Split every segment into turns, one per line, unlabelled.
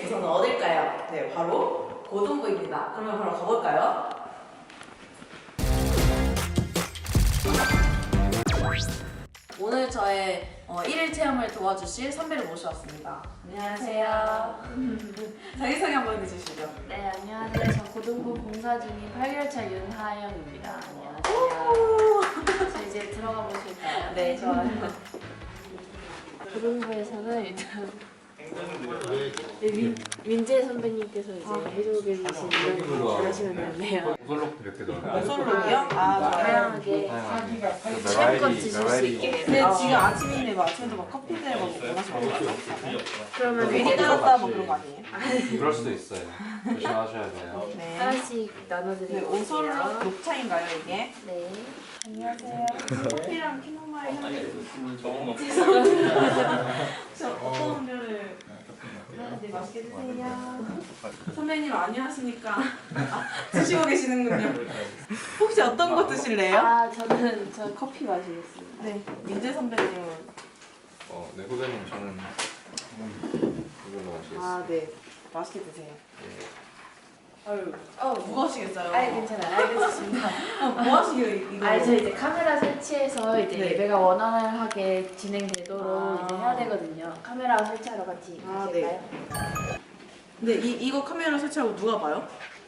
부서는 어딜까요? 네, 바로 고등부입니다. 그러면 바로 가볼까요? 오늘 저의 1일 체험을 도와주실 선배를 모셔왔습니다. 안녕하세요. 자기소개 한번 해주시죠.
네, 안녕하세요. 저 고등부 봉사 중인 8개월차 윤하영입니다. 안녕하세요. 저 이제 들어가 보실까요?
네, 좋아요.
고등부에서는 일단 민재 선배님께서 이제 해주고 계신 이런 거 하시면 되는데요.
오설록도 몇 개 넣어요.
오설록이요? 아, 좋아요.
다양하게 취향껏 드실 수 있게.
근데 지금 아침인데 뭐 아침에도 막 커피들 막 원하시는 거 같아요?
그러면
괜히 따랐다 뭐 그런 거 아니에요?
그럴 수도 있어요. 조심하셔야 돼요.
네.
하나씩
네,
나눠드릴게요.
오설록 녹차인가요 이게?
네.
안녕하세요. 커피랑 캐모마일 향이 저 어떤 음료를 네, 맛있게 드세요. 선배님 안녕하십니까? 드시고 계시는군요. 혹시 어떤 거 드실래요?
아, 저 커피 마시겠습니다.
네, 민재 선배님은
네, 후배님 저는 이걸로 마시겠습니다.
아, 네, 맛있게 드세요.
예.
아유, 뭐 하시겠어요?
아, 괜찮아요. 알겠습니다.
뭐 하시게요 이거?
아, 저 이제 카메라 설치해서 이제
네.
예배가 원활하게 진행되도록
아.
이제 해야 되거든요. 카메라 설치하러 같이
아,
가실까요?
근데 이거 카메라 설치하고 누가 봐요?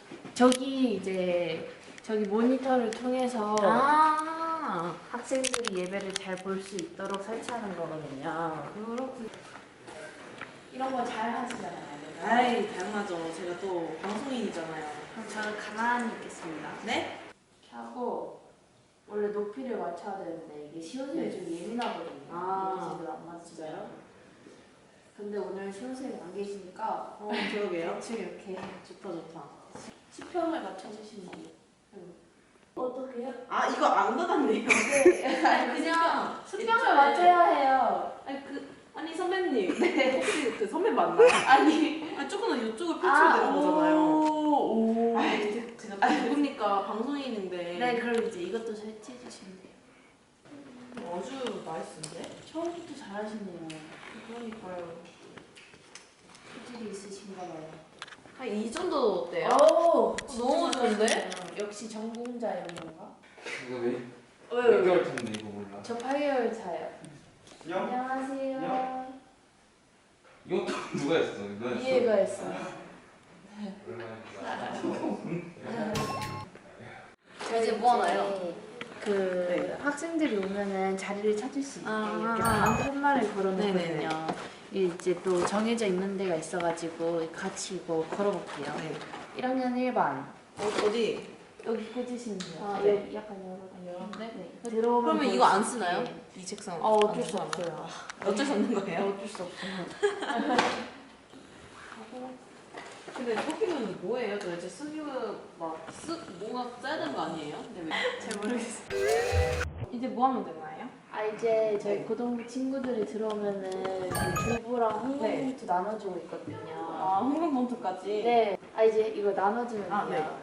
저기 모니터를 통해서
아,
학생들이 예배를 잘 볼 수 있도록 설치하는 거거든요.
그렇군.
이런 거 잘 하시잖아요.
아이, 당연하죠. 제가 또 방송인이잖아요.
그럼 저는 가만히 있겠습니다.
네?
이렇게 하고 원래 높이를 맞춰야 되는데 이게 시호생이
네.
좀 예민하거든요.
아.
제대로 안 맞추어요. 근데 오늘 시호생이 안 계시니까
그러게요.
대충 이렇게
좋다, 좋다.
수평을 맞춰주시면 돼요. 어떻게 해요?
아, 이거 안 닫았네요.
네. 아니 그냥 수평을
이쪽에.
맞춰야 해요.
아니, 선배님. 네. 혹시 그 선배 맞나요?
아니
조금은 이쪽을 펼쳐야 되는 거잖아요.
오.
아이, 제가 또 누굽니까? 방송인인데.
네, 그럼 이제 이것도 설치해 주시면 돼요.
아주 나이스인데?
처음부터 잘하시네요.
그러니까요.
소질이 있으신가 봐요.
한 이 정도 어때요?
오,
너무 좋은데?
역시 전공자 이런 건가?
이거 왜?
왜?
몇 개월 텐데 이거 몰라.
저 8개월 차요.
영?
안녕하세요.
이것도 누가 했어? 누가 했어?
이해가 했어요.
저 이제 뭐 하나요?
그 학생들이 오면은 자리를 찾을 수 있게
아.
이렇게 반편말을
네네네.
걸어놓거든요. 이제 또 정해져 있는 데가 있어가지고 같이 이거 걸어볼게요.
네.
1학년 1반
어디?
여기 꽂으시면 돼요.
아,
네.
네.
여기 약간 열어요.
네.
들어오면
그러면
볼
이거 안
수
쓰나요?
있게.
이 책상.
어쩔 수
안 쓰나요?
없어요.
어쩔 수 없는 거예요?
어쩔 수 없어요.
근데 커피는 뭐예요? 도대체 쓰기가 뭔가 써야 되는 거 아니에요? 근데 왜? 잘 모르겠어요. 이제 뭐 하면 되나요?
아 이제 저희
네.
고등부 친구들이 들어오면은 그 주부랑 홍보봉투 나눠주고 있거든요.
아, 홍금봉투까지?
네. 아 이제 이거 나눠주면
아,
돼요.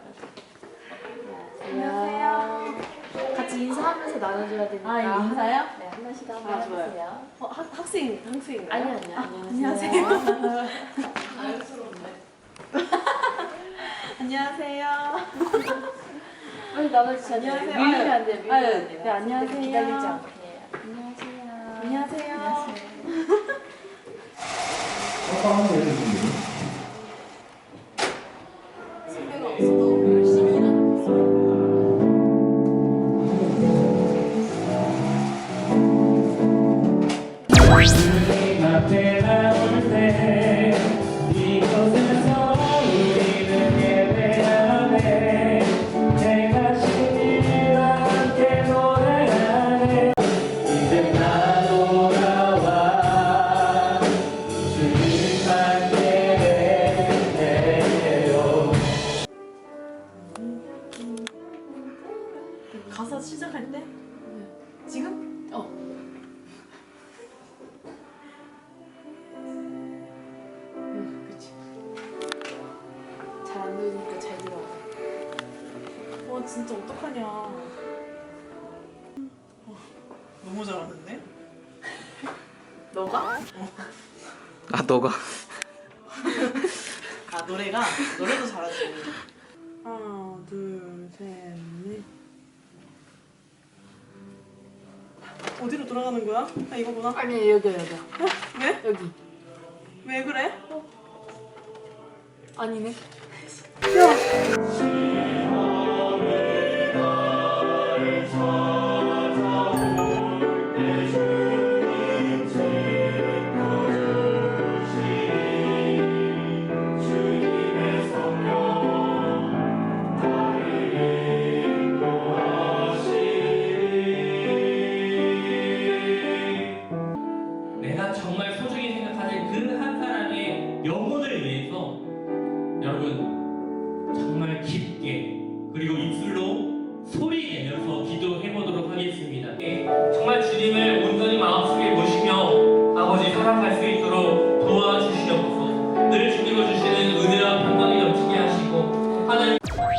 안녕하세요.
같이 인사하면서 나눠줘야 되니까.
아, 이거 인사요?
네, 하나씩 한번
아, 좋아요.
해주세요.
학생인가요?
아니요.
안녕하세요. 안녕하세요.
빨리 나눠주셔야 돼요.
안녕하세요.
밀리면 안 돼요. 밀리면
아유,
안 돼요.
네, 안녕하세요.
기다리지 않게. 안녕하세요.
안녕하세요. 선배가 없어도 열심히 일하는 모습.
앞에 나올 때 이곳에서 우리는 예배하네 내가 신이와 함께 노래하네 이제 나 돌아와 주님만 예배해요
가사 시작할 때? 지금? 그치.
잘 안 들으니까 잘 들어요.
와, 진짜 어떡하냐. 너무 잘하는데? 너가?
아 너가?
아 노래도 잘하지. 하나 둘 셋 넷. 어디로 돌아가는 거야? 아 이거구나.
아니 여기요.
왜?
여기.
왜 그래?
아니네.
내가 정말 소중히 생각하는 그 한 사람의 영혼을 위해서 여러분 정말 깊게 그리고 입술로 소리 내면서 기도해보도록 하겠습니다. 정말 주님을 온전히 마음속에 모시며 아버지 살아갈 수 있도록 도와주시옵소서. 늘 주님을 주시는 은혜와 평강이 넘치게 하시고 하나님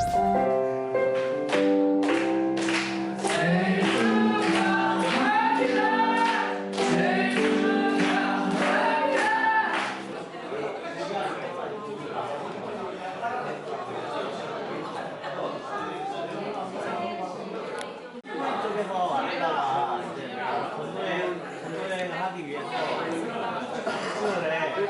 쪽에서 왔다가 이제 건조여행을 하기 위해서 수요일에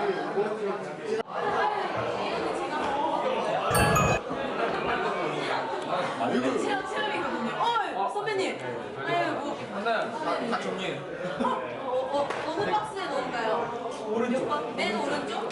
체험이거든요. 선배님. 아유 뭐.
다 정리해.
어느 박스에 넣을까요? 오른쪽. 맨 오른쪽?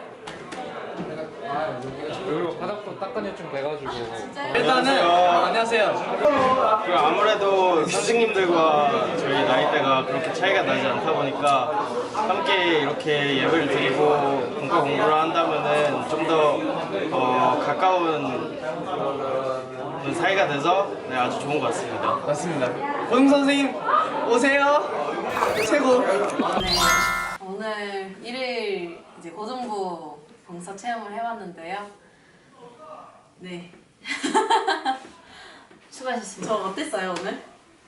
여기 바닥도 닦아내 좀 돼가지고.
일단은 안녕하세요.
그 아무래도 선생님들과 저희 나이대가 그렇게 차이가 나지 않다 보니까 함께 이렇게 예배를 드리고 공과 공부를 한다면은 좀 더 가까운 사이가 돼서 네, 아주 좋은 것 같습니다.
맞습니다. 고등 선생님 오세요. 최고.
네. 오늘 1일 이제 고등부 봉사 체험을 해봤는데요. 네.
수고하셨습니다.
저 어땠어요 오늘?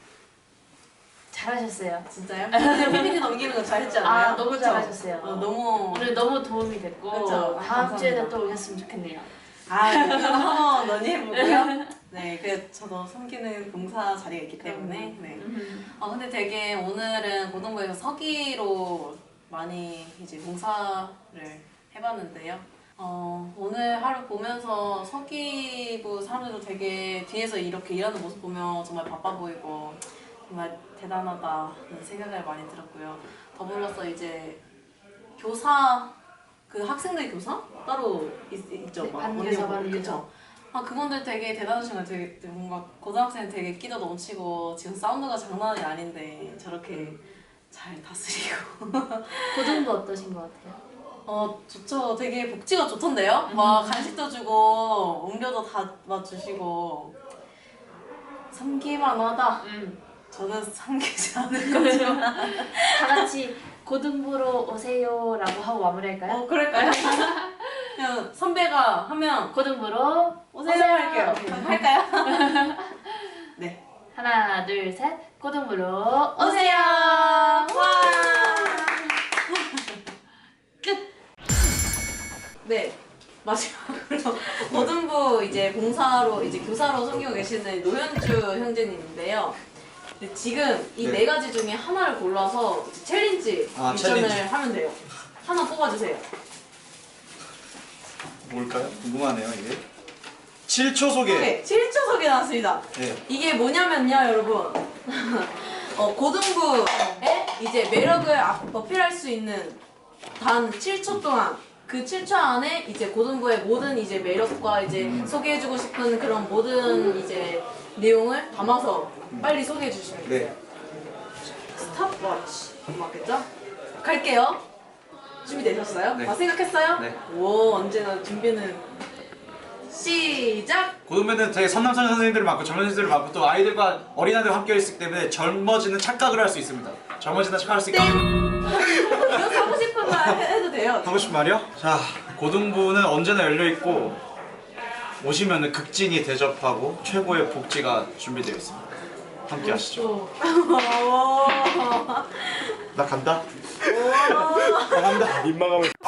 잘하셨어요.
진짜요? PPT 넘기는 거 잘했지 않나요?
아 너무
그쵸?
잘하셨어요.
너무.
오늘 너무 도움이 됐고
그쵸?
다음 주에도
감사합니다.
또 오셨으면 좋겠네요.
그거 한번 논의해보고요. 네, 저도 섬기는 봉사 자리가 있기 때문에. 네. 근데 되게 오늘은 고등부에서 서기로 많이 이제 봉사를 해봤는데요. 오늘 하루 보면서 서기부 사람들도 되게 뒤에서 이렇게 일하는 모습 보면 정말 바빠 보이고 정말 대단하다는 생각을 많이 들었고요. 더불어서 이제 교사, 그 학생들 교사? 따로 있죠?
네,
막
반교사,
언니,
반교사.
그쵸? 그분들 되게 대단하신 것 같아요. 되게 뭔가 고등학생 되게 끼도 넘치고 지금 사운드가 장난이 아닌데 저렇게 잘 다스리고
고등부 어떠신 것 같아요?
좋죠. 되게 복지가 좋던데요? 막 간식도 주고 음료도 다 주시고 섬기만 하다. 저는 섬기지 않을 거지만
다 같이 고등부로 오세요라고 하고 마무리할까요?
그럴까요? 그냥 선배가 하면
고등부로
오세요 할게요. 할까요? 네.
하나 둘 셋 고등부로
오세요. 와. 끝. 네. 마지막으로 고등부 이제 봉사로 이제 교사로 섬기고 계시는 노현주 형제님인데요. 근데 지금 이 네 가지 중에 하나를 골라서 이제 챌린지 미션을
챌린지.
하면 돼요. 하나 뽑아주세요.
뭘까요? 궁금하네요 이게. 7초 소개.
네, 7초 소개 나왔습니다.
네.
이게 뭐냐면요, 여러분. 고등부의 이제 매력을 어필할 수 있는 단 7초 동안 그 7초 안에 이제 고등부의 모든 이제 매력과 이제 소개해주고 싶은 그런 모든 이제 내용을 담아서 빨리 소개해 주시면 돼요.
네.
스탑워치 맞겠죠? 갈게요. 준비되셨어요?
네.
생각했어요?
네.
오, 언제나 준비는 시작!
고등부는 되게 선남선 선생님들을 맡고 젊은 선생님들을 맡고 또 아이들과 어린아이들과 함께 있기 때문에 젊어지는 착각을 할 수 있습니다. 젊어지는 착각할 수 있기 때문에
이거 하고 싶은 말 해도 돼요.
하고 싶은 말이요? 자, 고등부는 언제나 열려있고 오시면 극진히 대접하고 최고의 복지가 준비되어 있습니다. 함께 하시죠. 나 간다. 나 간다. 민망하면